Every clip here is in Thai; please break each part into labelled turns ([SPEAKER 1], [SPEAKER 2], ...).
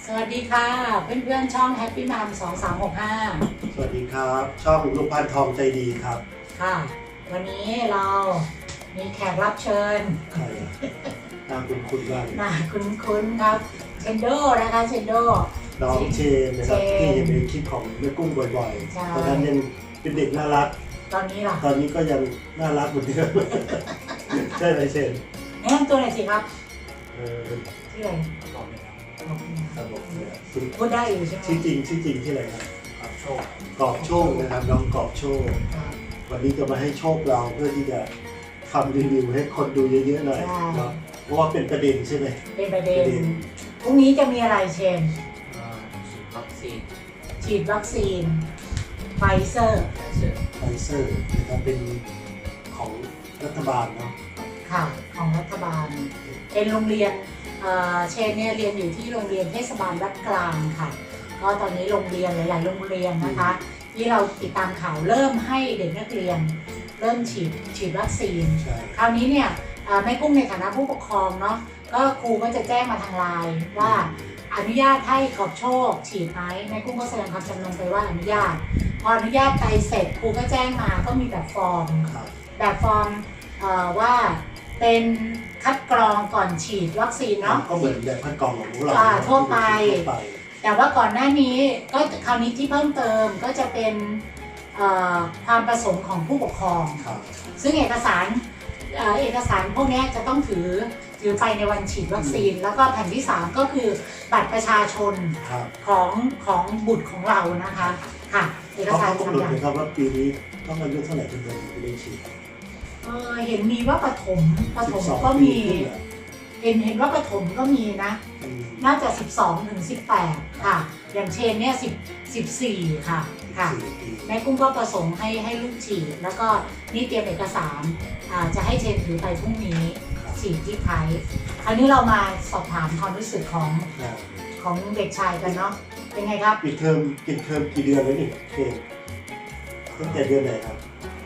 [SPEAKER 1] วัสดีค่ะเพื่อนๆช่อง Happy Mom 2365
[SPEAKER 2] สวัสดีครับช่องลูกพันทองใจดีครับ
[SPEAKER 1] ค่ะวันนี้เรามีแขกรับเชิญ
[SPEAKER 2] ใครน่าคุ้นๆบ้าง
[SPEAKER 1] น่าคุ้นๆครับเชนโดนะคะเชนโด
[SPEAKER 2] น้องเชนนะครับที่เห็นในคลิปของแม่กุ้งบ่อยๆตอนนั้นยังเป็นเด็กน่ารัก
[SPEAKER 1] ตอนนี้ล่ะ
[SPEAKER 2] ตอนนี้ก็ยังน่ารักเหมือนเดิมใช่ไหมเชน
[SPEAKER 1] แนะนำตัวหน่อยสิครับชื่ออะไร
[SPEAKER 2] ครับผม
[SPEAKER 1] พูดได้อยู่ใช่ไหม
[SPEAKER 2] ชื่อจริงที่อะไรครับกอบโชคนะครับน้องกอบโชควันนี้จะมาให้โชคเราเพื่อที่จะทำรีวิวให้คนดูเยอะๆหน่อยเพราะว่าเป็นประเด็นใช่ไหม
[SPEAKER 1] เป็นประเด็นพรุ่งนี้จะมีอะไรเชนฉีดวัคซีนไฟเซอร์
[SPEAKER 2] นะครับเป็นของรัฐบาลเนาะ
[SPEAKER 1] ค่ะของรัฐบาลเป็นโรงเรียนเชนเนี่ยเรียนอยู่ที่โรงเรียนเทศบาลวัดกลางค่ะก็ตอนนี้โรงเรียนหลายๆโรงเรียนนะคะที่เราติดตามข่าวเริ่มให้เด็กนักเรียนเริ่มฉีดวัคซีนคราวนี้เนี่ยแม่กุ้งในฐานะผู้ปกครองเนาะก็ครูก็จะแจ้งมาทางไลน์ว่าอนุญาตให้ขอบโชคฉีดไหมแม่กุ้งก็แสดงความจำนงไปว่าอนุญาตพออนุญาตไปเสร็จครูก็แจ้งมาก็มีแบบฟอร์มว่าเป็นคัดกรองก่อนฉีดวัคซีนเนาะ
[SPEAKER 2] ก็เหมือนแบบคัดกรองของเรา
[SPEAKER 1] ทั่วไปแต่ว่าก่อนหน้านี้ก็คราวนี้ที่เพิ่มเติมก็จะเป็นความประสงค์ของผู้ปกครองซึ่งเอกสารพวกนี้จะต้องถือไปในวันฉีดวัคซีนแล้วก็แผ่นที่3ก็คือบัตรประชาชนของบุตรของเรานะคะค่ะเอกสาร
[SPEAKER 2] กำหนดเลยครับว่าปีนี้ต้องอายุเท่าไหร่ถึงจะได้ฉีด
[SPEAKER 1] เห็นมีว่าปฐมก็มีเห็นว่าปฐมก็มีนะน่าจะ12 ถึง 18ค่ะอย่างเชนเนี่ย14ค่ะแม่กุ้งก็ประสงค์ให้ลูกฉีดแล้วก็นี่เตรียมเอกสารจะให้เชนถือไปพรุ่งนี้ฉีดที่ไทยคราวนี้เรามาสอบถามความรู้สึกของเด็กชายกันเนาะเป็นไงครับ
[SPEAKER 2] ปิดเทอมกี่เดือนแล้วนี่เชนตั้งแต่เดือนไหนครับ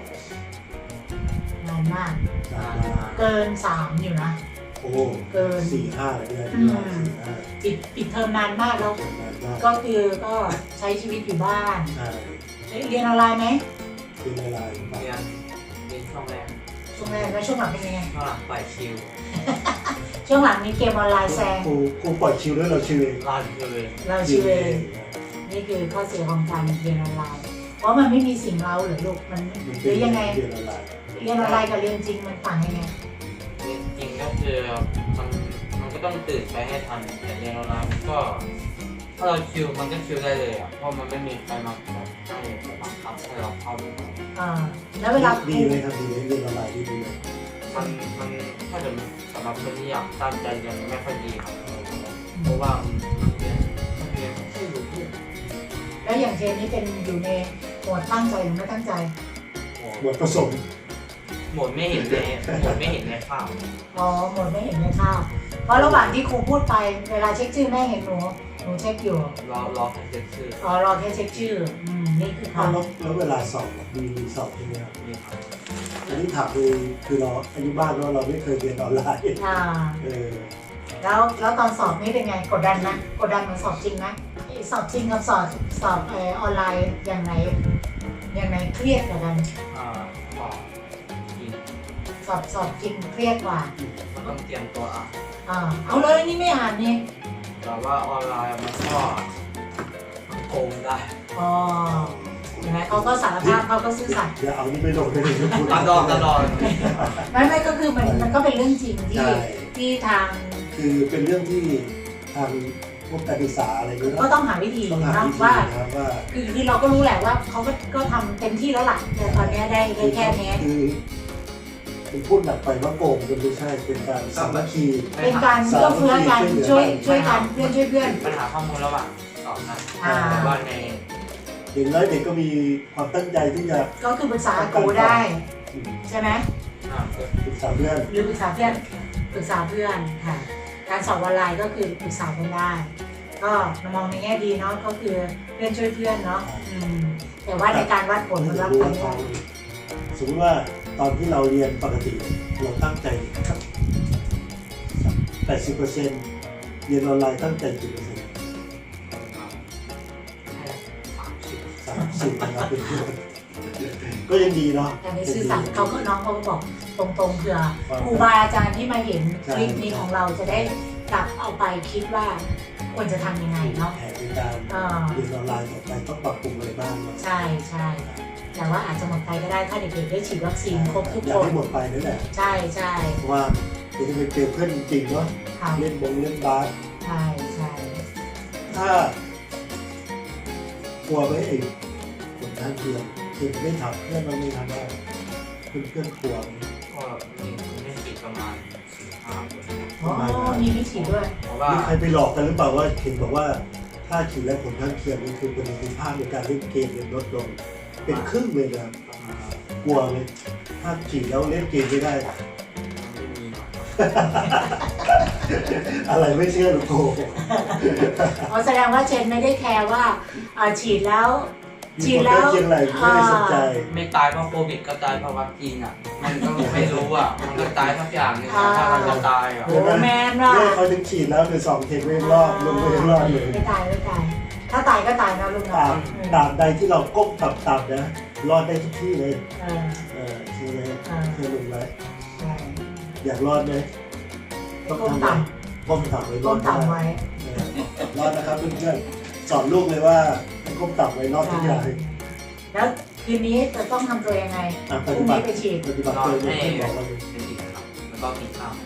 [SPEAKER 1] นานมากเกิน3อยู่นะ
[SPEAKER 2] โอ้เกิน4-5เดือน
[SPEAKER 1] ปิดเทอมนานมากแล้วก็คือก็ใช้ชีวิตอยู่บ้านเรียนออนไลน์ไหม
[SPEAKER 2] เรียนออนไลน์
[SPEAKER 3] เรียนช่วงแรก
[SPEAKER 1] แล้วช่วงหลังเป็นยังไง
[SPEAKER 3] ช่วงหลังปล่อยชิล
[SPEAKER 1] ช่วงหลังมีเกมออนไลน์แซง
[SPEAKER 2] ครูปล่อยชิลแล้วเราชิลเอง
[SPEAKER 1] นี่คือข้อเสียของการเรียนออนไลน์เพราะมันไม่มีสิ่งเราหรือลูกมันหรือยังไงเรียนออนไลน์กับเรียนจริงมันต่างยังไง
[SPEAKER 3] เรียนจริงก็คือมันก็ต้องตื่นไปให้ทันแต่เรียนออนไลน์มันก็ถ้าเราชิลมันก็ชิลได้เลยอ่ะเพราะมันไม่มีใครมาให้บังคับให้เราเข้าไป
[SPEAKER 1] แล้วเวลา
[SPEAKER 2] ดีไหมครับดีเรียนออนไลน์ดีเลย
[SPEAKER 3] มันถ้าเกิดสำหรับคนที่อยากตั้งใจเรียนไม่ค่อยดีครับเพราะว่าเรียนไม่รู้เรื่อง
[SPEAKER 1] แล้วอย่างเชนนี่เป็นอยู่ในโหมดตั้งใจหรือไม่ตั้งใจ
[SPEAKER 2] โหมดผสม
[SPEAKER 3] หมดไม่เห็นในภาพ
[SPEAKER 1] หมดไม่เห็นในภาพเพราะระหว่างที่ครูพูดไปเวลาเช็คชื่อแม่เห็นหนูเช็คอยู่
[SPEAKER 3] รอแค่เช็คชื่อ
[SPEAKER 1] รอแค่เช็คชื่อนี่คือ
[SPEAKER 2] ค่ะแล้วเวลาสอบมีสอบใช่ไหมครับมีครับอันนี้ถามคือเราอายุบ้านเราไม่เคยเรียนออนไลน์
[SPEAKER 1] แล้วตอนสอบนี่เป็นไงกดดันนะกดดันเหมือนสอบจริงนะสอบจริงกับสอบออนไลน์อย่างไหนเครียดกว่ากันสอบจริงเครียดกว่า
[SPEAKER 3] มันต้องเตรียมตัว
[SPEAKER 1] เอาเลยนี่ไม่อ่านนี่
[SPEAKER 3] แต่ว่าออนไลน์มันก็โกงได้
[SPEAKER 1] เห็นไหมเขาก็สารภาพเขาก็ซื่อสัตย์
[SPEAKER 2] อย่าเอานี่ไปลงเลย
[SPEAKER 3] ตลอด
[SPEAKER 1] ไม่ก็คือมันก็เป็นเรื่องจริงที่ทาง
[SPEAKER 2] คือเป็นเรื่องที่ทางพวกการศึกษาอะไร
[SPEAKER 1] ก็ต้องหาวิธีนะว่าคือเราก็รู้แหละว่าเขาก็ทำเต็มที่แล้วล่ะแต่ตอนนี้ได้แค่นี้
[SPEAKER 2] เป็นพูดหนักไปว่าโกงมันไม่ใช่เป็นการสามัคคี
[SPEAKER 1] เป็นการเอื้อเฟื้อกันช่วยกันเพื่อนช่วยเพื่อน
[SPEAKER 3] ปัญหาข้อมูลระหว่างสอบนะแต่ว่าใน
[SPEAKER 2] เด็กน้อยเด็กก็มีความตั้งใจที่จะ
[SPEAKER 1] ก็คือปรึกษาโกได้ใช่ไหม
[SPEAKER 2] ปรึกษาเพื่อน
[SPEAKER 1] หรือปรึกษาเพื่อนค่ะการสอบออนไลน์ก็คือปรึกษากันได้ก็มองในแง่ดีเนาะก็คือเพื่อนช่วยเพื่อนเนาะแต่ว่าในการวัดผลมันวัดไปไม่ได้
[SPEAKER 2] สมมติว่าตอนที่เราเรียนปกติเราตั้งใจครับ80%เรียนออนไลน์ตั้งใจกี่% สิทธิ์นะครับเป็นเพื่อนก็ยังดีเนาะ
[SPEAKER 1] แต่ในซื่อสัตย์เขาก็น้องเขาก็บอกตรงๆเผื่อครูบาอาจารย์ที่มาเห็นคลิปนี้ของเราจะได้กลับเอาไปคิดว่าควรจะทำยังไงเนาะ
[SPEAKER 2] แผนในการเรียนออนไลน์ต่อไปต้องปรับปรุงอะไรบ้างเนาะ
[SPEAKER 1] ใช่ใช่แต่ว่าอาจจะหมดไปก็ได้ถ้าเด็กๆได้ฉีดวัคซีนครบทุก
[SPEAKER 2] อยา
[SPEAKER 1] ค
[SPEAKER 2] ก
[SPEAKER 1] น
[SPEAKER 2] ให้หมดไปนั่นแหละ
[SPEAKER 1] ใช่ใช่
[SPEAKER 2] เพราะว่าเดี๋ยวจะไปเจอเพื่อนจริงๆเนาะ
[SPEAKER 1] ค่ะ
[SPEAKER 2] เล่นเล่นบาส
[SPEAKER 1] ใช่ใช่
[SPEAKER 2] ถ้ากลัวไหมไอ้ผลข้างเคียงคือไม่ถามเพื่อนเราไม่ทำได้เพื่อนกลัวไหม
[SPEAKER 3] ก็มีไม่ฉีดประมาณ4-5 คน
[SPEAKER 1] อ๋อมีไม่ฉีดด้วย
[SPEAKER 3] เพราะว่า
[SPEAKER 2] มีใครไปหลอกกันหรือเปล่าว่าเห็นบอกว่าถ้าฉีดแล้วผลข้างเคียงนี่คือประสิทธิภาพในการเล่นเกมเนี่ยลดลงเป็นครึ่งเลยนะ
[SPEAKER 3] ประมาณ
[SPEAKER 2] กลัวไหมถ้าฉีดแล้วเล่นเกมไม่ได้
[SPEAKER 3] ไม่มีหรอก
[SPEAKER 2] อะไรไม่เชื่อหรอกโก
[SPEAKER 1] อ๋อแสดงว่าเจนไม่ได้แคร์ว่าฉีดแล้ว
[SPEAKER 2] มีผลข้างเคียงอะไรไม่ได้สนใจ
[SPEAKER 3] ไม่ตายเพราะโควิดก็ตายเพราะวัคซีนอ่ะ มันก็ไม่รู้อ่ะ มันก็ตายทุกอย่างเลยถ้ามันจะตายอ่ะ
[SPEAKER 1] โอ้แมนว่ะ
[SPEAKER 2] แม่เขาถึงฉีดแล้วคือ2 เข็มไม่รอดลงไม่รอดเลย
[SPEAKER 1] ไม่ตายไม่ตาย ถ้าตายก็ตายนะลุง
[SPEAKER 2] ตา
[SPEAKER 1] เนาะ
[SPEAKER 2] มตามใดที่เราก้มต่ำๆนะรอดได้ทุกที่เลย
[SPEAKER 1] เออ
[SPEAKER 2] ใช่ไหม
[SPEAKER 1] อ่า
[SPEAKER 2] เคยลงไหม
[SPEAKER 1] ใช่
[SPEAKER 2] อยากรอดไหมต้อง
[SPEAKER 1] ก้ม
[SPEAKER 2] ทำไง
[SPEAKER 1] ต่
[SPEAKER 2] ก้มต่ำไว้
[SPEAKER 1] ำ
[SPEAKER 2] ร
[SPEAKER 1] ก้
[SPEAKER 2] อ
[SPEAKER 1] ม
[SPEAKER 2] ด
[SPEAKER 1] ต่ำไว้
[SPEAKER 2] รอดนะครับเพื่อนๆสอนลูกเลยว่าก้มต่ำไว้รอดทุกอย่าง
[SPEAKER 1] แล้วคืนนี้จะต้องทำตัวยังไง
[SPEAKER 2] อ่ะ
[SPEAKER 1] พ
[SPEAKER 2] ป
[SPEAKER 1] รุ่
[SPEAKER 2] ฏิ
[SPEAKER 1] ง
[SPEAKER 2] บั
[SPEAKER 1] นี้
[SPEAKER 2] ติ
[SPEAKER 1] ไปฉีด
[SPEAKER 2] ปฏิบัติตัวอย่างที่บอกเราเลย
[SPEAKER 3] เป็นอีกครับแล้วก็กินข้าว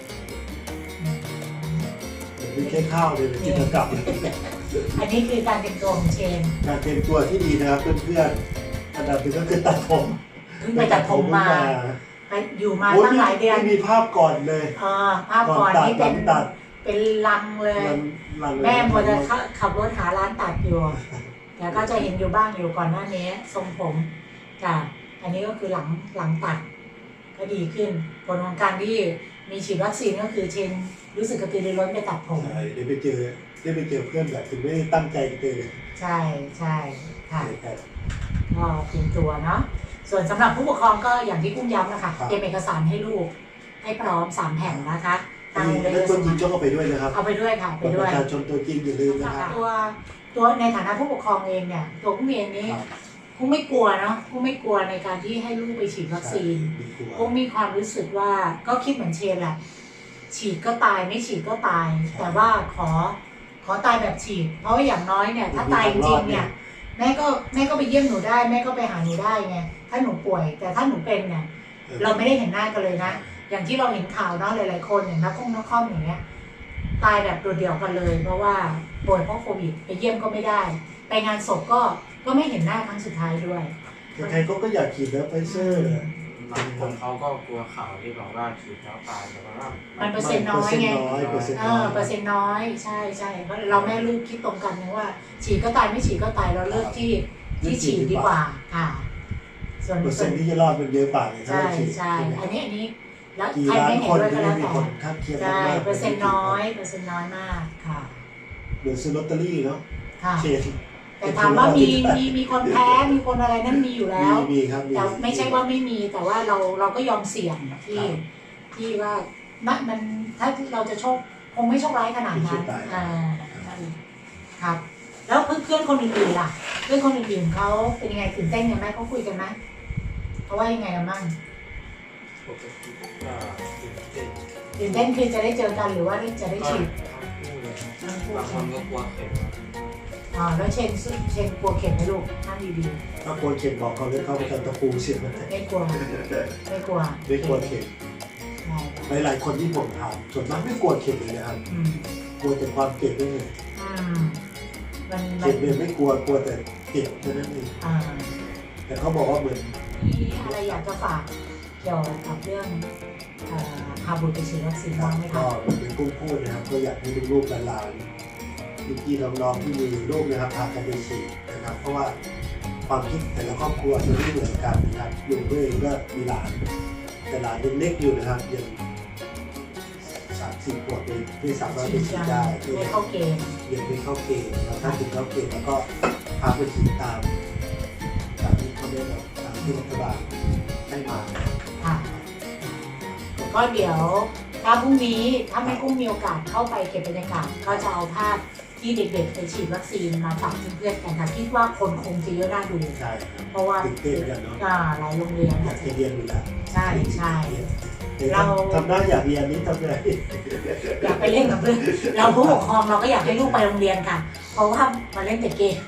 [SPEAKER 2] ไม่ใช่ข้าวเลยกินกลับ
[SPEAKER 1] อันนี้คือการเตรียมตัวของเชน
[SPEAKER 2] การเตรียมตัวที่ดีนะครับเพื่อนๆอันดับหนึ่งก็คือตัดผม
[SPEAKER 1] เพิ่งไปตัดผมมาไปอยู่มา
[SPEAKER 2] โอ้ย
[SPEAKER 1] ตั้งหลายเดือน
[SPEAKER 2] ไม่มีภาพก่อนเลย
[SPEAKER 1] ภาพก่อนนี่เป็น
[SPEAKER 2] ตัด
[SPEAKER 1] เป็นลังเลย
[SPEAKER 2] ลังเลย
[SPEAKER 1] แม่มัวจะขับรถหาร้านตัดอยู่แต่ก็จะเห็นอยู่บ้างอยู่ก่อนหน้านี้ทรงผมจ้ะอันนี้ก็คือหลังตัด ก็ดีขึ้นผลของการที่มีฉีดวัคซีนก็คือเชนรู้สึกกระตือรือร้นไปตัดผม
[SPEAKER 2] ใช่ได้ไปเจอเพื่อนแบบถึงไม่ได้ตั้งใจเจอ
[SPEAKER 1] ใช่ใช่ค่ะ
[SPEAKER 2] แต่
[SPEAKER 1] ก็เตรียมตัวเนาะส่วนสำหรับผู้ปกครองก็อย่างที่กุ้งย้ำนะคะเตรียมเอกสารให้ลูกให้พร้อม3 แผ่นนะคะทางโรงเรียน
[SPEAKER 2] แล้วตัวจริงต้องเอาไปด้วยนะครับ
[SPEAKER 1] เอาไปด้วยค่ะไป
[SPEAKER 2] บัตรป
[SPEAKER 1] ด้วย
[SPEAKER 2] ระชาชนตัวจริงอย่าลืมนะครับ
[SPEAKER 1] ตัวในฐานะผู้ปกครองเองเนี่ยตัวกุ้งเองนี้กุ้งไม่กลัวเนาะกุ้งไม่กลัวในการที่ให้ลูกไปฉีดวัคซีน
[SPEAKER 2] ดีกว่า
[SPEAKER 1] กุ้งมีความรู้สึกว่าก็คิดเหมือนเชนแหละฉีดก็ตายไม่ฉีดก็ตาย แต่ว่าขอตายแบบฉีด เพราะว่าอย่างน้อยเนี่ยถ้าตายจริงๆเนี่ยแม่ก็ไปเยี่ยมหนูได้แม่ก็ไปหาหนูได้ไงถ้าหนูป่วย แต่ถ้าหนูเป็นเนี่ยเราไม่ได้เห็นหน้ากันเลยนะอย่างที่เราเห็นข่าวเนาะหลายๆคนอย่างนักคอมอย่างเงี้ยตายแบบโดดเดี่ยวกันเลย เพราะว่าป่วยเพราะโควิดไปเยี่ยมก็ไม่ได้ ไปงานศพก็ไม่เห็นหน้าครั้งสุดท้ายด้วย
[SPEAKER 2] ใครๆเขาก็อยากฉีดแล้วไฟเซอร์
[SPEAKER 3] บางคนเขาก็กลัวข่าวที่บอกว่าฉีดแล้วตายแต่ว่า
[SPEAKER 1] มันเปอร์เซ็นต์น้อยไง
[SPEAKER 2] เปอร์เซ็นต์
[SPEAKER 1] เอ
[SPEAKER 2] น้อ
[SPEAKER 1] อย เปอร์เซ็นต์น้อยใช่ใช่เพราะเราแม่ลูกคิดตรงกันนะว่า ฉีดก็ตายไม่ฉีดก็ตายเราเลือกที่ฉีดดีกว่าค่ะ ส่วน
[SPEAKER 2] เปอร์เซ็นต์ที่จะรอดมันเยอะกว่าเลยถ้า
[SPEAKER 1] ใช่
[SPEAKER 2] เราฉีด
[SPEAKER 1] ใช่อันนี้แล้ว
[SPEAKER 2] กี่
[SPEAKER 1] ใคร
[SPEAKER 2] ล้าน
[SPEAKER 1] ไม่เห็
[SPEAKER 2] คน น
[SPEAKER 1] ด้วย
[SPEAKER 2] ก็
[SPEAKER 1] ก็
[SPEAKER 2] ไม่
[SPEAKER 1] แล้ว
[SPEAKER 2] มี
[SPEAKER 1] แต่
[SPEAKER 2] คนข้างเคียง
[SPEAKER 1] ใช่
[SPEAKER 2] มาก
[SPEAKER 1] เปอร์เซ็นต์น้อยมากค่ะ
[SPEAKER 2] เหมือนซื้อลอตเตอรี่เนาะ
[SPEAKER 1] ค่ะ
[SPEAKER 2] เชน
[SPEAKER 1] แต่ถามว่ามีคนแพ้มีคนอะไรนั่นมีอยู่แล้ว
[SPEAKER 2] มีครับมี
[SPEAKER 1] แต่ไม่ใช่ว่าไม่มีแต่ว่าเราก็ยอมเสี่ยงที่ว่ามันถ้าเราจะโชคคงไม่โชคร้ายขนาดนั้นครับ แล้วเพื่อนคนอื่นๆล่ะ เพื่อนคนอื่นๆเขาเป็นยังไงตื่นเต้นกันไหมเขาคุยกันไหมเขาว่ายังไงกันบ้าง
[SPEAKER 3] ปกติก็ตื่นเต้น
[SPEAKER 1] ตื่นเต้นคือจะได้เจอกันหรือว่าจะได้
[SPEAKER 3] ก็
[SPEAKER 1] ฉีด
[SPEAKER 3] ทั้งคู่บางคนก็กลัวเข็ม
[SPEAKER 1] แล้วเชนกลัวเข็มไหมลูกนั่นดี
[SPEAKER 2] ถ้ากลัวเข็มบอกเขาเลยเข้าไปกันตะปูเสียบมัน
[SPEAKER 1] ๆไม่กลัวไม่กลัว
[SPEAKER 2] ไม่กลัวเข็ม
[SPEAKER 1] ใช่
[SPEAKER 2] หลายๆคนที่ผมถามส่วนมากไม่กลัวเข็มเลยนะครับ
[SPEAKER 1] อืม
[SPEAKER 2] กลัวแต่ความเจ็บนี่เอง
[SPEAKER 1] มัน
[SPEAKER 2] เจ็บเนี่ยไม่กลัวแต่เจ็บเท่านั้นเองแต่เขาบอกว่าเหมือน
[SPEAKER 1] มีอะไรอยากจะฝากเกี่ยวกับเรื่องพาบุตรไปฉีดวัคซีนบ้างไหมคะ
[SPEAKER 2] ก็เป็นกุ้งพูดนะครับก็อยากให้ลูกๆหลานๆพี่ๆน้องๆที่มีลูกนะครับพากันไปฉีดนะครับ เพราะว่าความคิดแต่ละครอบครัวจะไม่เหมือนกันนะครับลุงเองก็มีหลานแต่หลานยังเล็กอยู่นะครับยัง30 ขวบเลยไม่สามารถไปฉีดได้
[SPEAKER 1] ไม่เข้าเกณฑ์
[SPEAKER 2] ยังไม่เข้าเกณฑ์เราถ้าถึงเข้าเกณฑ์แล้วก็พาไปฉีดตามที่เขาได้แบบตามที่รัฐบาลให้มา
[SPEAKER 1] ค่ะก็เดี๋ยวถ้าพรุ่งนี้ถ้าไม่กุ้งมีโอกาสเข้าไปเก็บบรรยากาศก็จะเอาภาพที่เด็กๆไปฉีดวัคซีนมาฝากเพื่อนๆกันค่ะคิดว่าคนคงจะเยอะน่าดู
[SPEAKER 2] ใช่ครับ
[SPEAKER 1] เพราะว่า
[SPEAKER 2] ตื่นเต้นกันเนาะ
[SPEAKER 1] หลายโรงเรียน
[SPEAKER 2] อยากจะเรียนอยู่แล้ว
[SPEAKER 1] ใช่ใช่
[SPEAKER 2] แต่ทำได้อยากเรียนนี้ทำไง
[SPEAKER 1] อยากไปเล่นกับเพื่อนเราผู้ปกครองเราก็อยากให้ลูกไปโรงเรียนค่ะ เพราะว่ามาเล่นแต่เกม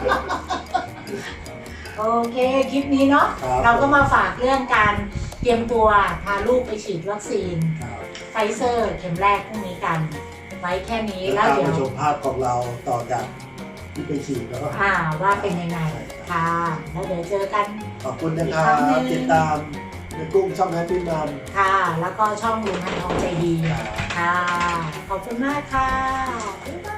[SPEAKER 1] โอเคคลิปนี้เนาะ
[SPEAKER 2] ครับ
[SPEAKER 1] เราก็มาฝากเรื่องการเตรียมตัวพาลูกไปฉีดวัคซีน
[SPEAKER 2] ครับ
[SPEAKER 1] ไฟเซอร์เข็มแรกพรุ่งนี้กัน ไว้แค่นี้
[SPEAKER 2] แล้
[SPEAKER 1] แล้ว ว
[SPEAKER 2] ตาม
[SPEAKER 1] เดี๋ยว
[SPEAKER 2] มาชมภาพของเราต่อจากที่ไปฉีดแล้วก็
[SPEAKER 1] ว่าเป็นยังไงค่ะ แล้วเดี๋ยวเจอกัน
[SPEAKER 2] ขอบคุณนะครั
[SPEAKER 1] อีกครั้งหนึ่
[SPEAKER 2] บ
[SPEAKER 1] ง
[SPEAKER 2] ติดตามในกุ้งช่องนั้นพี่มัม
[SPEAKER 1] ค่ะ แล้วก็ช่องลุงพันทองใจดี ค่ะ ขอบคุณมากค่ะ บ๊ายบาย